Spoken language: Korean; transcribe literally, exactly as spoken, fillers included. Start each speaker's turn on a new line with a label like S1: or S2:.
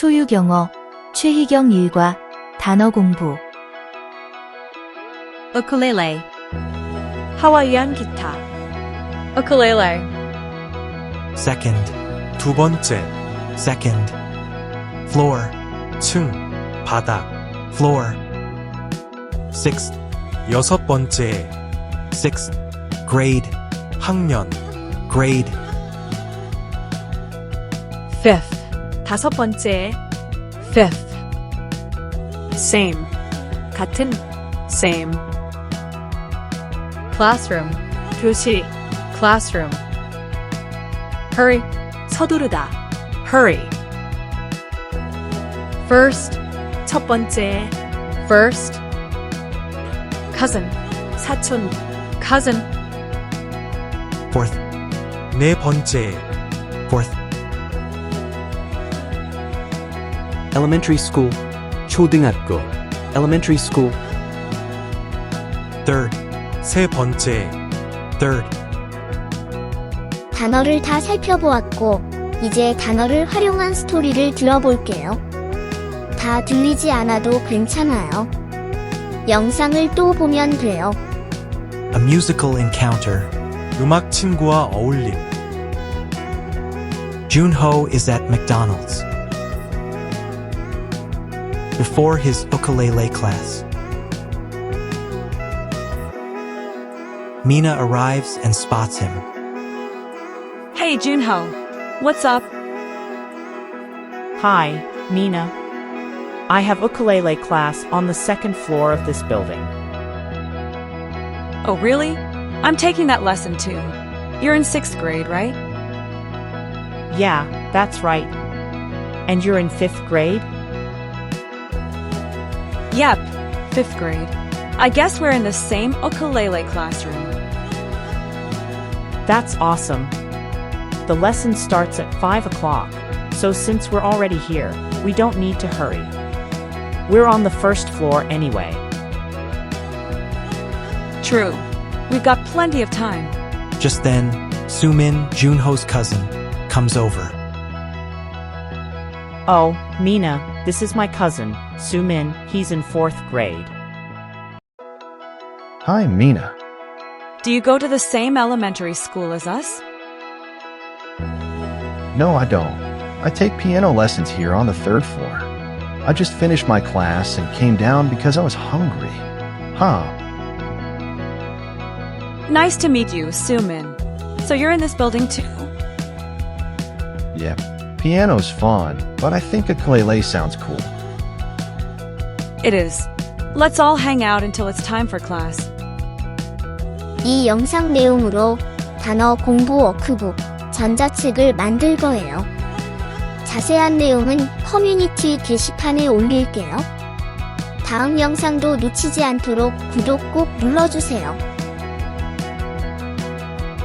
S1: 소유경어, 최희경 일과 단어 공부.
S2: ukulele,
S3: 하와이안 기타.
S2: ukulele,
S4: second, 두 번째, second, floor, 층, 바닥, floor, sixth, 여섯 번째, sixth, grade, 학년, grade,
S3: fifth. 다섯 번째. fifth. same. 같은. same.
S2: classroom,
S3: 교실.
S2: classroom,
S3: hurry. 서두르다. hurry.
S2: first,
S3: 첫 번째.
S2: first,
S3: cousin. 사촌.
S2: cousin,
S4: fourth, 네 번째, fourth,
S5: elementary school, 초등학교, elementary school,
S4: third, 세 번째, third,
S6: 단어를 다 살펴보았고, 이제 단어를 활용한 스토리를 들어볼게요. 다 들리지 않아도 괜찮아요. 영상을 또 보면 돼요.
S4: a musical encounter, 음악 친구와 어울림. Junho is at McDonald's. Before his ukulele class. Mina arrives and spots him.
S3: Hey, Junho. What's up?
S7: Hi, Mina. I have ukulele class on the second floor of this building.
S2: oh really? I'm taking that lesson too. You're in sixth grade, right?
S7: Yeah, that's right. And you're in fifth grade?
S2: Yep, fifth grade. I guess we're in the same ukulele classroom.
S7: That's awesome. The lesson starts at five o'clock, so since we're already here, we don't need to hurry. We're on the first floor anyway.
S2: True. We've got plenty of time.
S4: Just then, Sumin, Junho's cousin, comes over.
S7: Oh, Mina, this is my cousin, Sumin, he's in fourth grade.
S8: Hi, Mina.
S2: Do you go to the same elementary school as us?
S8: No, I don't. I take piano lessons here on the third floor. I just finished my class and came down because I was hungry. Huh.
S2: Nice to meet you, Sumin. So you're in this building too?
S8: Yeah. Piano's fun, but I think ukulele sounds cool.
S2: It is. Let's all hang out until it's time for class.
S6: 이 영상 내용으로 단어 공부 워크북 전자책을 만들 거예요. 자세한 내용은 커뮤니티 게시판에 올릴게요. 다음 영상도 놓치지 않도록 구독 꼭 눌러주세요.